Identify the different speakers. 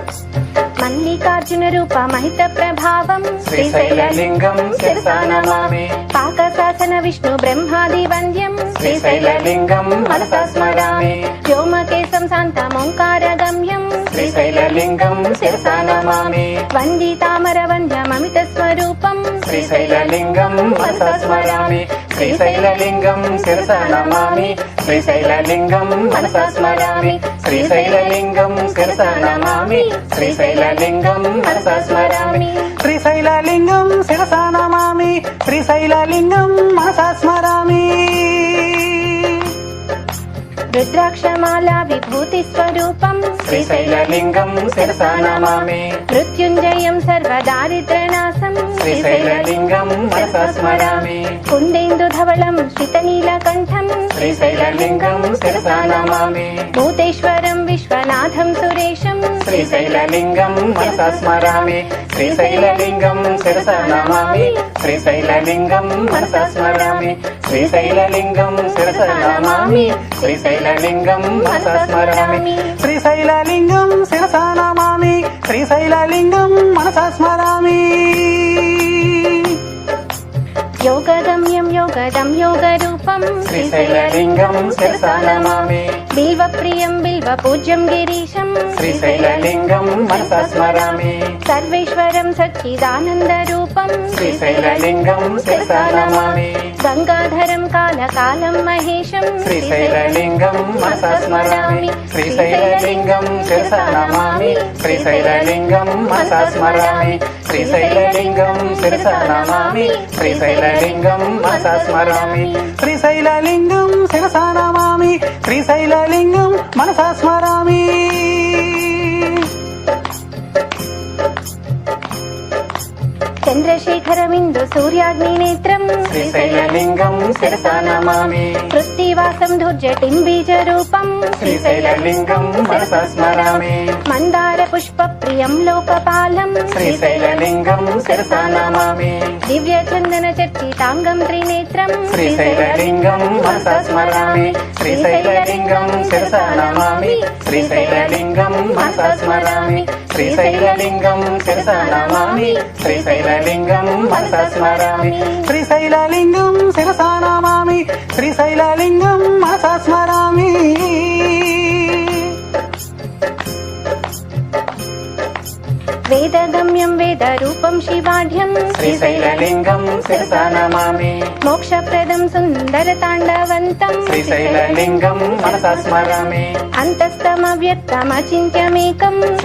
Speaker 1: మల్లికార్జున రూప మహిత ప్రభావం
Speaker 2: శ్రీశైలలింగం శిరసా నమామి.
Speaker 1: పాకశాసన విష్ణు బ్రహ్మాది వంద్యం
Speaker 2: శ్రీశైలలింగం మనసా స్మరామి.
Speaker 1: వ్యోమకేశం శాంతమోంకార గమ్యం
Speaker 2: శ్రీశైలలింగం శిరసా నమామి.
Speaker 1: వందితామర వంద్యమమిత స్వరూపం
Speaker 2: శ్రీశైలలింగం మనసా స్మరామి. శ్రీశైలలింగం శిరసా నమామి. శ్రీశైలలింగం మనసా స్మరామి. శ్రీశైలలింగం శిరసా నమామి. శ్రీశైలలింగం మనసా స్మరామి. శ్రీశైలలింగం శిరసా నమామి. శ్రీశైలలింగం మనసా స్మరామి.
Speaker 1: రుద్రాక్షమాల విభూతి స్వరూపం
Speaker 2: శ్రీశైలలింగం శిరసా నమామి.
Speaker 1: మృత్యుంజయం సర్వదారిద్రనాశం
Speaker 2: శ్రీశైలలింగం మనసా స్మరామి.
Speaker 1: కుందేందు ధవళం శ్రితనీలకంఠం
Speaker 2: శ్రీశైలలింగం శిరసా నమామి.
Speaker 1: భూతేశ్వరం విశ్వనాథం సురేశం
Speaker 2: శ్రీశైలలింగం మనసా స్మరామి. శ్రీశైలలింగం శిరసా నమామి. శ్రీశైలలింగం మనసా స్మరామి. శ్రీశైలలింగం శిరసా నమామి. శ్రీశైలలింగం మనసా స్మరామి. శ్రీశైలలింగం శిరసా నమామి. శ్రీశైలలింగం మనసా స్మరామి.
Speaker 1: యోగగమ్యం యోగదం యోగరూపం
Speaker 2: శ్రీశైలలింగం శిరసా నమామి.
Speaker 1: బిల్వప్రియం బిల్వ పూజ్యం గిరీశం
Speaker 2: శ్రీశైలలింగం మనసా స్మరామి.
Speaker 1: సర్వేశ్వరం సచ్చిదానంద రూపం
Speaker 2: శ్రీశైలలింగం శిరసా నమామి.
Speaker 1: గంగాధరం కాలకాలం మహేశం
Speaker 2: శ్రీశైలలింగం మనసా స్మరామి. శ్రీశైలలింగం శిరసా నమామి. శ్రీశైలలింగం మనసా స్మరామి. శ్రీశైలలింగం శిరసా నమామి. శ్రీశైలలింగం మనసా స్మరామి. శ్రీశైలలింగం శిరసా నమామి. శ్రీశైలలింగం మనసా స్మరామి.
Speaker 1: చంద్రశేఖరమిందు సూర్యాగ్ని నేత్రం
Speaker 2: శ్రీశైలలింగం శిరసా నమామి.
Speaker 1: పృథ్వీవాసం ధూర్జటిం బీజ రూపం
Speaker 2: శ్రీశైలలింగం మనసా స్మరామి.
Speaker 1: మందార పుష్ప ప్రియం లోకపాలం
Speaker 2: శ్రీశైలలింగం శిరసా నమామి.
Speaker 1: దివ్య చందన చర్చితాంగం త్రినేత్రం
Speaker 2: శ్రీశైలలింగం మనసా స్మరామి. శ్రీశైలలింగం శిరసా నమామి. శ్రీశైలలింగం మనసా స్మరామి. శ్రీశైలలింగం శిరసా నమామి. శ్రీశైలలింగం మనసా స్మరామి. శ్రీశైలలింగం శిరసా నమామి. శ్రీశైలలింగం మనసా స్మరామి.
Speaker 1: వేదగమ్యం వేద రూపం శివాఢ్యం
Speaker 2: శ్రీశైలలింగం శిరసా నమామి.
Speaker 1: మోక్షప్రదం సుందర తాండవంతం
Speaker 2: శ్రీశైలలింగం మనసా స్మరామి.
Speaker 1: అంతస్తమవ్యక్తమచింత్యమేకం